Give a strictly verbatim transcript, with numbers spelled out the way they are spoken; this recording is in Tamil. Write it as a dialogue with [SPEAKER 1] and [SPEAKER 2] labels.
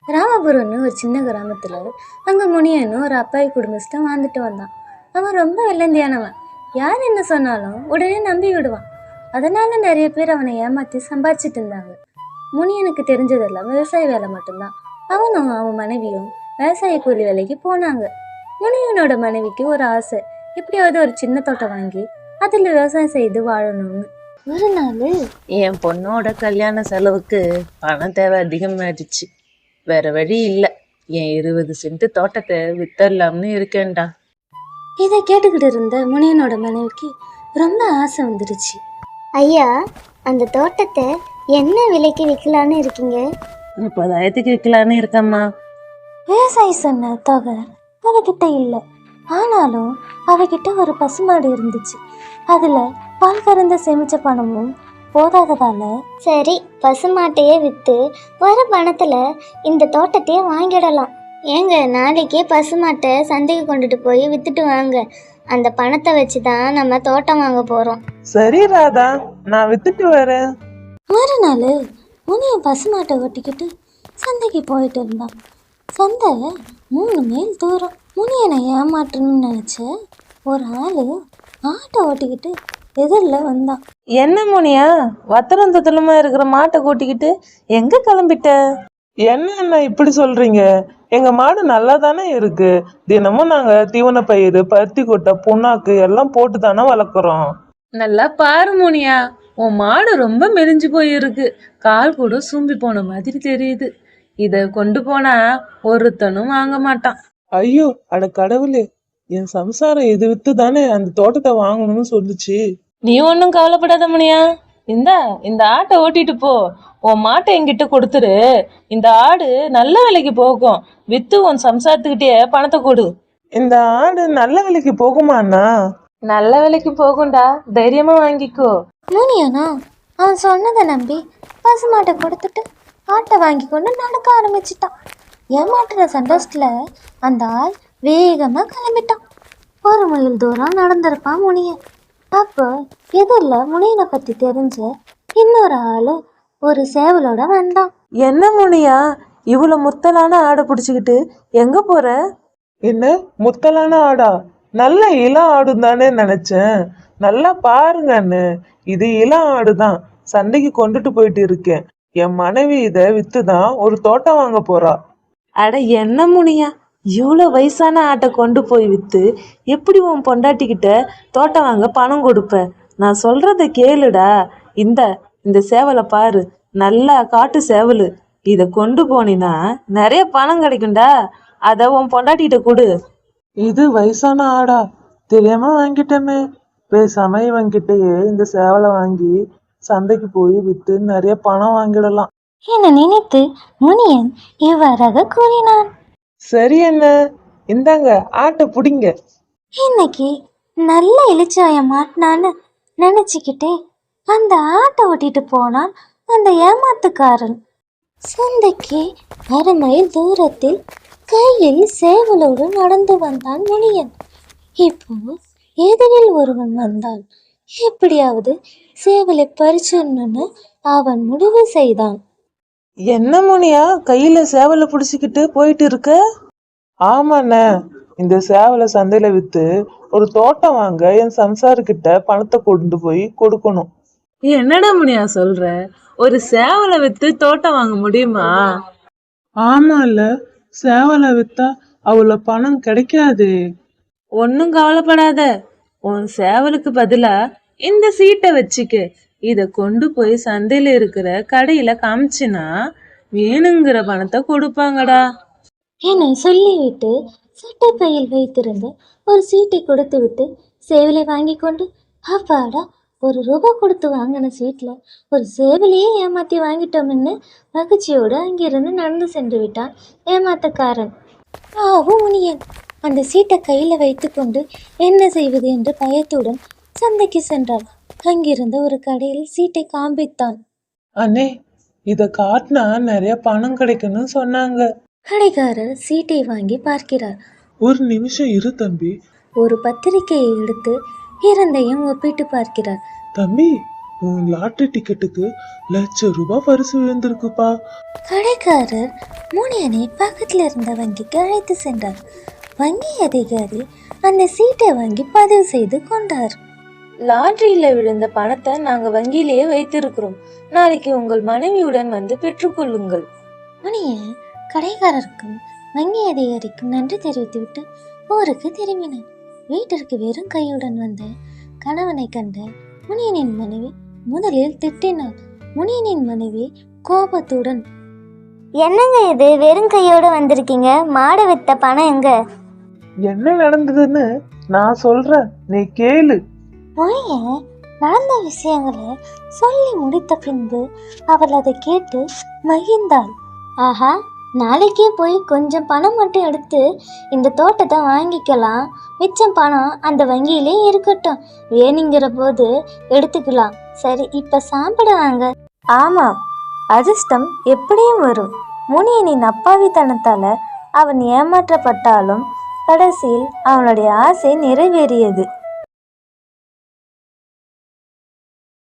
[SPEAKER 1] ராமபுரம்னு ஒரு சின்ன கிராமத்தில் அங்கே முனியன்னு ஒரு அப்பாவி குடும்பஸ்தான் வாழ்ந்துட்டு வந்தான். அவன் ரொம்ப வெள்ளந்தியானவன். யார் என்ன சொன்னாலும் உடனே நம்பி விடுவான். அதனால நிறைய பேர் அவனை ஏமாற்றி சம்பாதிச்சிட்டு இருந்தாங்க. முனியனுக்கு தெரிஞ்சதெல்லாம் விவசாய வேலை மட்டும்தான். அவனும் அவன் மனைவியும் விவசாய கூலி வேலைக்கு போனாங்க. முனியனோட மனைவிக்கு ஒரு ஆசை, எப்படியாவது ஒரு சின்ன தோட்டம் வாங்கி அதில் விவசாயம் செய்து வாழணும்னு. ஒரு நாள்
[SPEAKER 2] என் பொண்ணோட கல்யாண செலவுக்கு பணம் தேவை அதிகமாயிடுச்சு. வேற வழி இல்லை, என் இருபது சென்ட் தோட்டத்தை வித்தரலாம்னு இருக்கேன்டா.
[SPEAKER 1] இதை கேட்டுக்கிட்டு இருந்த முனியனோட மனைவிக்கு ரொம்ப ஆசை வந்துடுச்சு.
[SPEAKER 3] ஐயா, அந்த தோட்டத்தை என்ன விலைக்கு விற்கலான்னு இருக்கீங்க?
[SPEAKER 2] முப்பதாயிரத்துக்கு விற்கலான்னு இருக்கம்மா.
[SPEAKER 1] விவசாயி சொன்ன தொகை அவகிட்ட இல்லை. ஆனாலும் அவகிட்ட ஒரு பசுமாடு இருந்துச்சு. அதில் பால் கறந்த சேமிச்ச பணமும் போதாததால,
[SPEAKER 3] சரி, பசுமாட்டையே விற்று வர பணத்தில் இந்த தோட்டத்தையே வாங்கிடலாம். ஏங்க, நாளைக்கே பசுமாட்டை சந்தைக்கு கொண்டுட்டு போய் விற்றுட்டு வாங்க. அந்த பணத்தை வச்சு தான் நம்ம தோட்டம் வாங்க போகிறோம்.
[SPEAKER 4] சரி ராதா, நான் வித்துட்டு வரேன்.
[SPEAKER 1] மறுநாள் முனியன் பசுமாட்டை ஓட்டிக்கிட்டு சந்தைக்கு போயிட்டு இருந்தான். சந்தை மூணு மைல் தூரம். முனியனை ஏமாற்றணும்னு நினச்ச ஒரு ஆள் ஆட்டை ஓட்டிக்கிட்டு எதிரில் வந்தான்.
[SPEAKER 2] என்ன முனியா, வத்தரம் தத்தலுமா இருக்கிற மாட்டை கூட்டிக்கிட்டு எங்க கிளம்பிட்ட?
[SPEAKER 4] என்ன என்ன இப்படி சொல்றீங்க? எங்க மாடு நல்லா தானே இருக்கு. தினமும் நாங்க தீவன பயிர், பருத்தி கொட்டை, புண்ணாக்கு எல்லாம் போட்டு தானே வளர்க்குறோம்.
[SPEAKER 2] நல்லா பாரு முனியா, உன் மாடு ரொம்ப மெலிஞ்சு போயிருக்கு. கால் கூட சூம்பி போன மாதிரி தெரியுது. இத கொண்டு போனா ஒருத்தனும் வாங்க மாட்டான்.
[SPEAKER 4] ஐயோ, அட கடவுளே, என் சம்சாரம் இது வித்து தானே அந்த தோட்டத்தை வாங்கணும்னு சொல்லுச்சு.
[SPEAKER 2] நீ ஒன்னும் கவலைப்படாத முனியா, இந்தா இந்த ஆட்டை ஓட்டிட்டு போ. உன் மாட்டை என்கிட்ட கொடுத்துரு. இந்த ஆடு நல்ல விலைக்கு போகும். வித்து உன் சம்சாரத்துக்கிட்டே பணத்தை கொடு.
[SPEAKER 4] இந்த ஆடு நல்ல விலைக்கு போகுமாண்ணா?
[SPEAKER 2] நல்ல விலைக்கு போகும்டா, தைரியமா வாங்கிக்கோ.
[SPEAKER 1] முனியனா அவன் சொன்னதை நம்பி பசுமாட்டை கொடுத்துட்டு ஆட்டை வாங்கி கொண்டு நடக்க ஆரம்பிச்சிட்டான். ஏமாட்டுற சந்தோஷத்துல அந்த ஆள் வேகமா கிளம்பிட்டான். ஒரு மைல் தூரம் நடந்திருப்பான் முனியன். அப்போ எதிரில் முனியனை பத்தி தெரிஞ்ச இன்னொரு ஆளு ஒரு சேவலோட வந்தான்.
[SPEAKER 2] என்ன முனியா, இவ்வளவு முத்தலான ஆடை பிடிச்சுக்கிட்டு எங்க போற?
[SPEAKER 4] என்ன முத்தலான ஆடா? நல்ல இளம் ஆடு தானே நினைச்சேன். நல்லா பாருங்கன்னு, இது இளம் ஆடுதான். சண்டைக்கு கொண்டுட்டு போயிட்டு இருக்கேன். என் மனைவி இதை வித்துதான் ஒரு தோட்டம் வாங்க போறா.
[SPEAKER 2] அட என்ன முனியா, இவ்வளோ வயசான ஆட்டை கொண்டு போய் விற்று எப்படி உன் பொண்டாட்டிக்கிட்ட தோட்டம் வாங்க பணம் கொடுப்ப? நான் சொல்கிறத கேளுடா. இந்த இந்த சேவலை பாரு, நல்லா காட்டு சேவல். இதை கொண்டு போனினா நிறைய பணம் கிடைக்கும்டா. அதை உன் பொண்டாட்டிகிட்ட கொடு.
[SPEAKER 4] இது வயசான ஆடா? தெரியாம வாங்கிட்டோமே. பேசாம இவங்கிட்டயே இந்த சேவலை வாங்கி சந்தைக்கு போய் விற்று நிறைய பணம் வாங்கிடலாம்
[SPEAKER 1] என நினைத்து முனியன் இவ்வாறாக கூறினான்.
[SPEAKER 4] சரி என்ன, இந்தாங்க ஆட்டை புடிங்க.
[SPEAKER 1] இன்னைக்கு நல்ல இளிச்சாயம் மாட்டினான்னு நினைச்சுக்கிட்டே அந்த ஆட்டை ஓட்டிட்டு போனான் அந்த ஏமாத்துக்காரன். சந்தைக்கு அரை மைல் தூரத்தில் கையில் சேவலோடு நடந்து வந்தான் முனியன். இப்போ எதிரில் ஒருவன் வந்தான். எப்படியாவது சேவலை பறிச்சிடணும்னு அவன் முடிவு செய்தான்.
[SPEAKER 2] என்ன முனியா, கையில சேவலை பிடிச்சிக்கிட்டு போயிட்டு இருக்க?
[SPEAKER 4] ஆமாண்ணே, இந்த சேவலை சந்தையில வித்து ஒரு தோட்டம் வாங்க என் சம்சாருக்கிட்ட பணத்தை கொண்டு போய் கொடுக்கணும்.
[SPEAKER 2] என்னடா முனியா சொல்ற? ஒரு சேவலை வித்து தோட்டம் வாங்க முடியுமா?
[SPEAKER 4] ஆமால, சேவலை வித்தா அவ்வளவு பணம் கிடைக்காது.
[SPEAKER 2] ஒன்னும் கவலைப்படாத, உன் சேவலுக்கு பதிலா இந்த சீட்டை வச்சுக்க. இத கொண்டு போய் சந்தையில இருக்கிற கடையில காமிச்சினா வேணுங்கிற பணத்தை கொடுப்பாங்கடா
[SPEAKER 1] என சொல்லிவிட்டு சட்டை பையில் வைத்திருந்த ஒரு சீட்டை கொடுத்து விட்டு சேவலை வாங்கி கொண்டு, அப்பாடா, ஒரு ரூபாய் கொடுத்து வாங்கின சீட்ல ஒரு சேவலையே ஏமாத்தி வாங்கிட்டோம்னு மகிழ்ச்சியோடு அங்கிருந்து நடந்து சென்று விட்டான் ஏமாத்தக்காரன். ஆவும் முனியன் அந்த சீட்டை கையில வைத்து கொண்டு என்ன செய்வது என்று பயத்துடன் சந்தைக்கு சென்றான். அங்கிருந்த ஒரு கடையில் சீட்டை காண்பித்தான்.
[SPEAKER 4] அண்ணே, இத காட்டினா நிறைய பணம் கிடைக்கும்னு சொன்னாங்க.
[SPEAKER 1] கடைக்காரர் சீட்டை வாங்கி பார்க்கிறார்.
[SPEAKER 4] ஒரு நிமிஷம் இரு தம்பி.
[SPEAKER 1] ஒரு பத்திரிகையை எடுத்து இரண்டையும் ஒப்பிட்டு பார்க்கிறார்.
[SPEAKER 4] தம்பி, உன் லாட்டரி டிக்கெட்டுக்கு லட்சம் ரூபாய் பரிசு விழுந்திருக்குப்பா.
[SPEAKER 1] கடைக்காரர் முனியனை பக்கத்தில் இருந்த வங்கிக்கு அழைத்து சென்றார். வங்கி அதிகாரி அந்த சீட்டை வாங்கி பதிவு செய்து கொண்டார்.
[SPEAKER 2] லாட்டரியில விழுந்த பணத்தை நாங்க வங்கியிலேயே வைத்திருக்கிறோம். நாளைக்கு உங்கள் மனைவியுடன் வந்து பெற்றுக்கொள்ளுங்கள்.
[SPEAKER 1] முனியன் கடைக்காரருக்கும் வங்கி அதிகாரிக்கும் நன்றி தெரிவித்துவிட்டு ஊருக்கு திரும்பினார். வீட்டிற்கு வெறும் கையுடன் வந்த கணவனை கண்ட முனியனின் மனைவி முதலில் திட்டினாள். முனியனின் மனைவி கோபத்துடன்,
[SPEAKER 3] என்னங்க இது, வெறும் கையோடு வந்திருக்கீங்க, மாடு வித்த பணம் எங்க?
[SPEAKER 4] என்ன நடந்ததுன்னு நான் சொல்றேன், நீ கேளு.
[SPEAKER 1] முனியன் நடந்த விஷயங்களை சொல்லி முடித்த பின்பு அவள் அதை கேட்டு மகிழ்ந்தாள்.
[SPEAKER 3] ஆஹா, நாளைக்கே போய் கொஞ்சம் பணம் மட்டும் எடுத்து இந்த தோட்டத்தை வாங்கிக்கலாம். மிச்சம் பணம் அந்த வங்கியிலே இருக்கட்டும், வேணுங்கிற போது எடுத்துக்கலாம். சரி, இப்ப சாப்பிட வாங்க.
[SPEAKER 1] ஆமாம், அதிர்ஷ்டம் எப்படியும் வரும். முனியனின் அப்பாவித்தனத்தால அவன் ஏமாற்றப்பட்டாலும் கடைசியில் அவனுடைய ஆசை நிறைவேறியது.